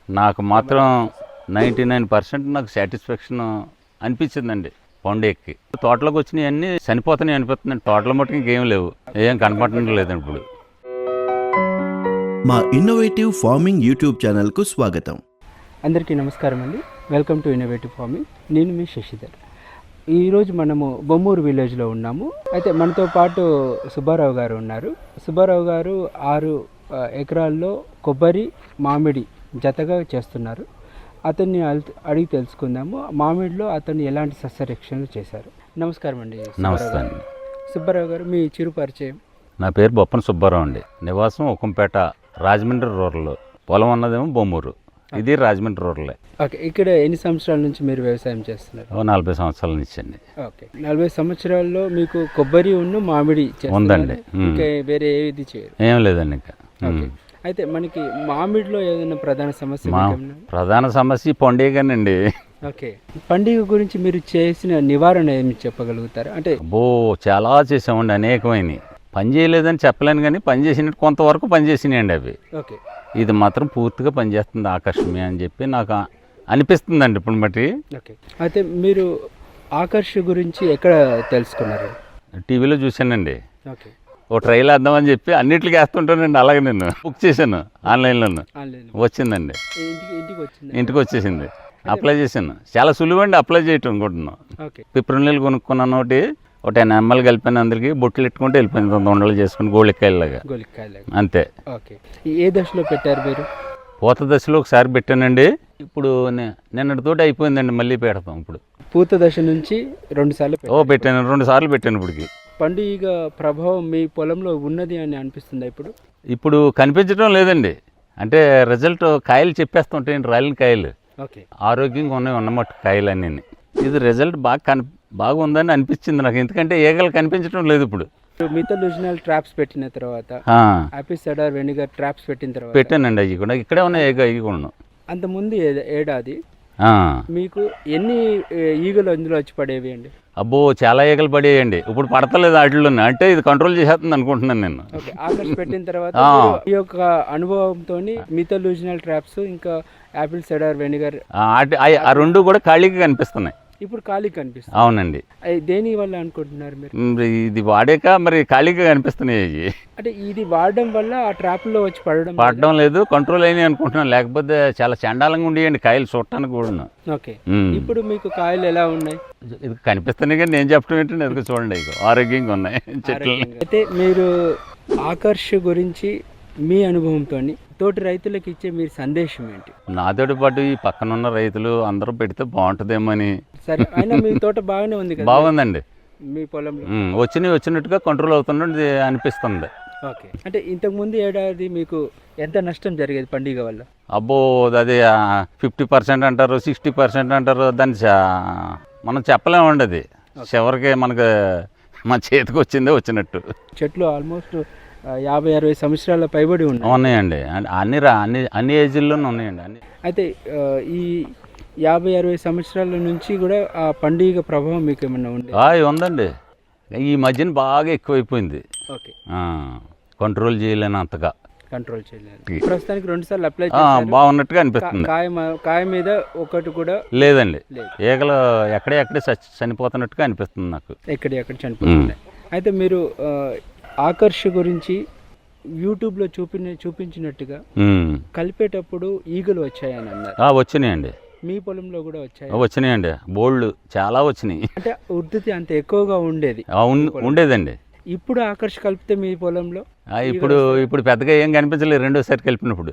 నాకు మాత్రం 99% నాకు సాటిస్ఫాక్షన్ అనిపించిందండి పండు ఎక్కి. తోటలోకి వచ్చినాయి అన్నీ చనిపోతున్నాయి అనిపిస్తుందండి. తోటల మట్టుకు ఇంకేం లేవు, ఏం కనపడటం లేదండి ఇప్పుడు. మా ఇన్నోవేటివ్ ఫార్మింగ్ యూట్యూబ్ ఛానల్కు స్వాగతం. అందరికీ నమస్కారం అండి. Welcome to innovative farming. నేను మీ శశిధర్. ఈరోజు మనము బొమ్మూరు విలేజ్లో ఉన్నాము. అయితే మనతో పాటు సుబ్బారావు గారు ఉన్నారు. సుబ్బారావు గారు 6 ఎకరాల్లో కొబ్బరి, మామిడి జతగా చేస్తున్నారు. అతన్ని అడిగి తెలుసుకుందాము, మామిడిలో అతను ఎలాంటి సస్యరక్షణలు చేశారు. నమస్కారం అండి. నమస్తే అండి. సుబ్బారావు గారు, మీ చిరు పరిచయం. నా పేరు బొప్పన సుబ్బారావు అండి. నివాసం ఉక్కంపేట, రాజమండ్రి రూరల్. పొలం ఉన్నదేమో బొమ్మూరు, ఇది రాజమండ్రి రూరలే. ఓకే, ఇక్కడ ఎన్ని సంవత్సరాల నుంచి మీరు వ్యవసాయం చేస్తున్నారు? 40 సంవత్సరాల నుంచి అండి. ఓకే, 40 సంవత్సరాల్లో మీకు కొబ్బరి ఉన్న మామిడి ఉందండి. ఇంకా వేరే ఏది చేయరు? ఏం లేదండి ఇంకా. ఓకే, అయితే మనకి మామిడిలో ఏదైనా ప్రధాన సమస్య? ప్రధాన సమస్య పండుగనండి. ఓకే, పండుగ గురించి మీరు చేసిన నివారణ ఏమి చెప్పగలుగుతారు? అంటే చాలా చేసామండి, అనేకమైనవి. పని చేయలేదని చెప్పలేను, కానీ పని చేసినట్టు కొంతవరకు పని చేసినాయండి అవి. ఓకే, ఇది మాత్రం పూర్తిగా పనిచేస్తుంది ఆకర్షమే అని చెప్పి నాకు అనిపిస్తుందండి ఇప్పుడు బట్టి. ఓకే, అయితే మీరు ఆకర్ష గురించి ఎక్కడ తెలుసుకున్నారు? టీవీలో చూశానండి. ఓకే, ఓ ట్రైల్ వేద్దామని చెప్పి అన్నిటికీ వేస్తుంటానండి. అలాగే నేను బుక్ చేశాను ఆన్లైన్లోను, వచ్చిందండి. ఇంటికి వచ్చేసింది. అప్లై చేశాను. చాలా సులువండి అప్లై చేయటం అనుకుంటున్నాను. పిప్రిల్ కొనుక్కున్నాను. ఒక 10 ml కలిపాను, అందరికి బొట్లు పెట్టుకుంటే వెళ్ళిపోయింది. ఉండలు చేసుకుని గోళికాయలాగా అంతే. ఓకే, ఏ దశలో పెట్టారు మీరు? పూత దశలో ఒకసారి పెట్టానండి. ఇప్పుడు నిన్నటితోటి అయిపోయిందండి, మళ్ళీ పెడతాం ఇప్పుడు. పూత దశ నుంచి 2 సార్లు పెట్టాను, 2 సార్లు పెట్టాను. ఇప్పటికి పండుగ ప్రభావం మీ పొలంలో ఉన్నది అని అనిపిస్తుందా? ఇప్పుడు కనిపించడం లేదండి. అంటే రిజల్ట్ కాయలు చెప్పేస్తుంటాయండి, రాలిన కాయలు. ఓకే, ఆరోగ్యంగా ఉన్నమాట కాయలు అన్నీ. ఇది రిజల్ట్ బాగా ఉందని అనిపించింది నాకు. ఎందుకంటే ఈగలు కనిపించడం లేదు ఇప్పుడు. మిథలూజినల్ ట్రాప్స్ పెట్టిన తర్వాత, యాపిల్ సైడర్ వెనిగర్ ట్రాప్స్ పెట్టిన తర్వాత పెట్టానండి. అవి కూడా ఇక్కడే ఉన్నాయి, అవి కూడా. అంతకుముందు ఏడాది మీకు ఎన్ని ఈగలు అందులో వచ్చి పడేవి అండి? అబ్బో, చాలా ఈగలు పడేయండి. ఇప్పుడు పడతలేదు వాటిలో. అంటే ఇది కంట్రోల్ చేసేస్తుంది అనుకుంటున్నాను నేను. ఓకే, ఆకర్ష్ పెట్టిన తర్వాత ఈ యొక్క అనుభవంతో మిథలూజినల్ ట్రాప్స్ ఇంకా యాపిల్ సైడర్ వెనిగర్ ఆ 2 కూడా ఖాళీగా కనిపిస్తున్నాయి. ఇప్పుడు ఖాళీ కనిపిస్తుంది. అవునండి. దేని వల్ల అనుకుంటున్నారు మీరు? ఇది వాడాక మరి ఖాళీగా కనిపిస్తున్నాయి. అంటే ఇది వాడడం వల్ల ఆ ట్రాప్లో వచ్చి పడడం లేదు, కంట్రోల్ అయినాయి అనుకుంటున్నాను. లేకపోతే చాలా చండాలంగా ఉండేయండి కాయలు చూడటానికి కూడా. ఓకే, ఇప్పుడు మీకు కాయలు ఎలా ఉన్నాయి? ఇది కనిపిస్తున్నాయి, కానీ నేను చెప్పడం ఏంటంటే ఎదుగు చూడండి, ఆరోగ్యంగా ఉన్నాయి చెట్లు. అయితే మీరు ఆకర్ష గురించి మీ అనుభవంతో తోటి రైతులకు ఇచ్చే మీరు సందేశం ఏంటి? నాతోటి పాటు ఈ పక్కనున్న రైతులు అందరూ పెడితే బాగుంటుందేమో అని. సరే, అయినా మీ తోట బాగానే ఉంది కదా? బాగుందండి. మీ పొలంలో వచ్చినట్టుగా కంట్రోల్ అవుతున్నది అనిపిస్తుంది. ఓకే, అంటే ఇంతకుముందు ఏడాది మీకు ఎంత నష్టం జరిగేది పండుగ వల్ల? అబ్బో, అది 50% అంటారు, 60% అంటారు. దాన్ని మనం చెప్పలేమండి. అది చివరికి మనకు మన చేతికి వచ్చినట్టు. చెట్లు ఆల్మోస్ట్ 50-60 సంవత్సరాల పైబడి ఉన్నాయండి. అన్ని ఏజ్ల్లోనే ఉన్నాయండి అన్ని. అయితే ఈ 50-60 సంవత్సరాల నుంచి కూడా ఆ పండుగ ప్రభావం మీకు ఏమన్నా ఉంది? ఉందండి. ఈ మధ్యన బాగా ఎక్కువైపోయింది. Okay, control చేయలేనంతగా. కంట్రోల్ చేయలేదు. ప్రస్తుతానికి 2 సార్లు అప్లై చేశారు. బాగున్నట్టుగా అనిపిస్తుంది. కాయ మీద ఒకటి కూడా లేదండి. ఈగలు ఎక్కడే చనిపోతున్నట్టుగా అనిపిస్తుంది నాకు. ఎక్కడ చనిపోతున్నాయి. అయితే మీరు ఆకర్ష గురించి యూట్యూబ్లో చూపించినట్టుగా కలిపేటప్పుడు ఈగలు వచ్చాయని అన్నారు. వచ్చినాయండి. మీ పొలంలో కూడా వచ్చినాయండి. బోల్డ్ చాలా వచ్చినాయి. అంటే ఉధృతి అంత ఎక్కువగా ఉండేదండి. ఇప్పుడు ఆకర్ష కలిపితే మీ పొలంలో ఇప్పుడు పెద్దగా ఏం కనిపించలేదు. రెండోసారి కలిపినప్పుడు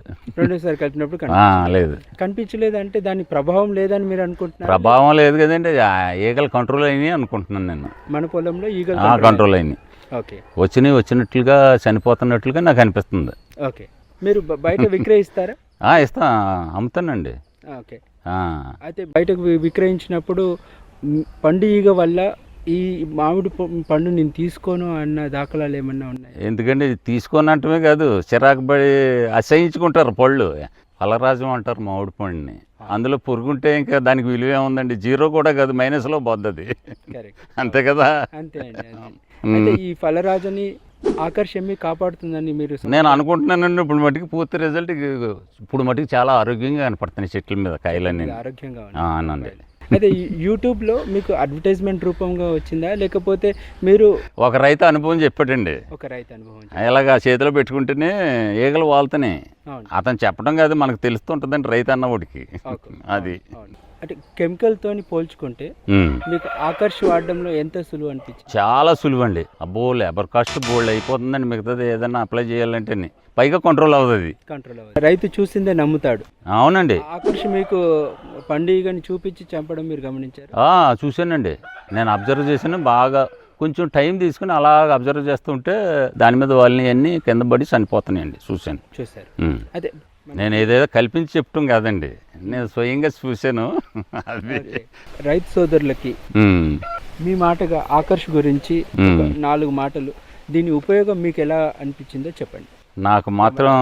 లేదు, కనిపించలేదు. అంటే దాని ప్రభావం లేదని మీరు అనుకుంటున్నారు? ప్రభావం లేదు కదండి, ఈగలు కంట్రోల్ అయినాయి అనుకుంటున్నాను నేను. మన పొలంలో ఈగలు కంట్రోల్ అయినాయి. ఓకే, వచ్చినట్లుగా చనిపోతున్నట్లుగా నాకు అనిపిస్తుంది. ఓకే, మీరు బయట విక్రయిస్తారా? ఇస్తా, అమ్ముతానండి. ఓకే, అయితే బయటకు విక్రయించినప్పుడు పండుగ వల్ల ఈ మామిడి పండు నేను తీసుకోను అన్న దాఖలాలు ఏమన్నా ఉన్నాయి? ఎందుకంటే తీసుకోనంటమే కాదు, చిరాకు పడి అసహించుకుంటారు పళ్ళు. ఫలరాజం అంటారు మామిడి పండుని. అందులో పురుగుంటే ఇంకా దానికి విలువ ఏముందండి? 0 కూడా కాదు, మైనస్లో పోద్ది. అంతే కదా. అంతే అండి. అయితే ఈ ఫలరాజని ఆకర్ష్ ఎమ్మి కాపాడుతుందని మీరు నేను అనుకుంటున్నానండి ఇప్పుడు మటుకు పూర్తి రిజల్ట్ ఇప్పుడు మటుకు చాలా ఆరోగ్యంగా కనపడుతున్నాయి చెట్ల మీద కాయలన్నీ ఆరోగ్యంగా అవునండి. అయితే యూట్యూబ్లో మీకు అడ్వర్టైజ్మెంట్ రూపంగా వచ్చిందా, లేకపోతే మీరు ఒక రైతు అనుభవం చెప్పాడండి. ఒక రైతు అనుభవం? ఇలాగా చేతిలో పెట్టుకుంటేనే ఈగలు వాళ్తున్నాయి. అవును. అతను చెప్పడం కాదు, మనకు తెలుస్తుంటుందండి రైతు అన్నవాడికి. అది అంటే కెమికల్తోని పోల్చుకుంటే మీకు ఆకర్ష్ వాడడంలో ఎంత సులువు అనిపించింది? చాలా సులువు అండి. అబ్బో లేబర్ కాస్ట్ బోల్డ్ అయిపోతుందండి. మిగతాది ఏదైనా అప్లై చేయాలంటే పైగా కంట్రోల్ అవుతుంది. రైతు చూసిందే నమ్ముతాడు. అవునండి. ఆకర్ష్ మీకు పండుగని చూపించి చంపడం మీరు గమనించారు? చూశానండి, నేను అబ్జర్వ్ చేశాను. బాగా కొంచెం టైం తీసుకుని అలాగ అబ్జర్వ్ చేస్తుంటే దాని మీద వాళ్ళని అన్నీ కింద పడి చనిపోతున్నాయండి. చూశారు. అదే నేను ఏదేదో కల్పించి చెప్పడం కాదండి, నేను స్వయంగా చూశాను. అది రైతు సోదరులకి మీ మాటగా ఆకర్ష్ గురించి 4 మాటలు, దీని ఉపయోగం మీకు ఎలా అనిపించిందో చెప్పండి. నాకు మాత్రం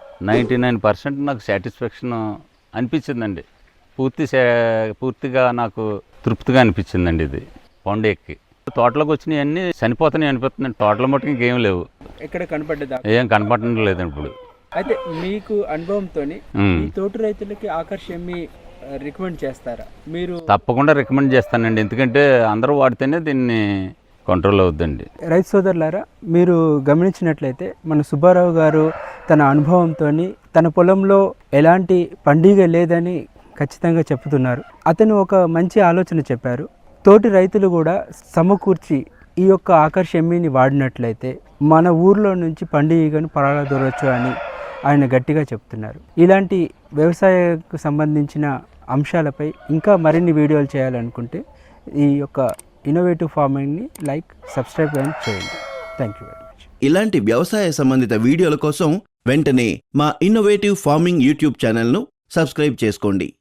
99% నాకు సాటిస్ఫాక్షన్ అనిపించిందండి. పూర్తిగా నాకు తృప్తిగా అనిపించిందండి. ఇది పండు ఎక్కి తోటలోకి వచ్చినాయి అన్నీ చనిపోతున్నాయి అనిపిస్తుందండి. తోటల మట్టుకు ఇంకేం లేవు, ఎక్కడ కనపడ్డదా? ఏం కనపడడం లేదండి ఇప్పుడు. అయితే మీకు అనుభవంతో ఈ తోటి రైతులకి ఆకర్ష్ ఎమ్మి రికమెండ్ చేస్తారా మీరు? తప్పకుండా రికమెండ్ చేస్తానండి, ఎందుకంటే అందరూ వాడితేనే దీన్ని కంట్రోల్ అవుద్దండి. రైతు సోదరులారా, మీరు గమనించినట్లయితే మన సుబ్బారావు గారు తన అనుభవంతో తన పొలంలో ఎలాంటి పండుగ లేదని ఖచ్చితంగా చెప్తున్నారు. అతను ఒక మంచి ఆలోచన చెప్పారు. తోటి రైతులు కూడా సమకూర్చి ఈ యొక్క ఆకర్ష్ ఎమ్మిని వాడినట్లయితే మన ఊర్లో నుంచి పండుగను పరాలదొరవచ్చు అని ఆయన గట్టిగా చెప్తున్నారు. ఇలాంటి వ్యవసాయకు సంబంధించిన అంశాలపై ఇంకా మరిన్ని వీడియోలు చేయాలనుకుంటే ఈ యొక్క ఇన్నోవేటివ్ ఫార్మింగ్ని సబ్స్క్రైబ్ చేయండి. Thank you very much. ఇలాంటి వ్యవసాయ సంబంధిత వీడియోల కోసం వెంటనే మా ఇన్నోవేటివ్ ఫార్మింగ్ యూట్యూబ్ ఛానల్ను సబ్స్క్రైబ్ చేసుకోండి.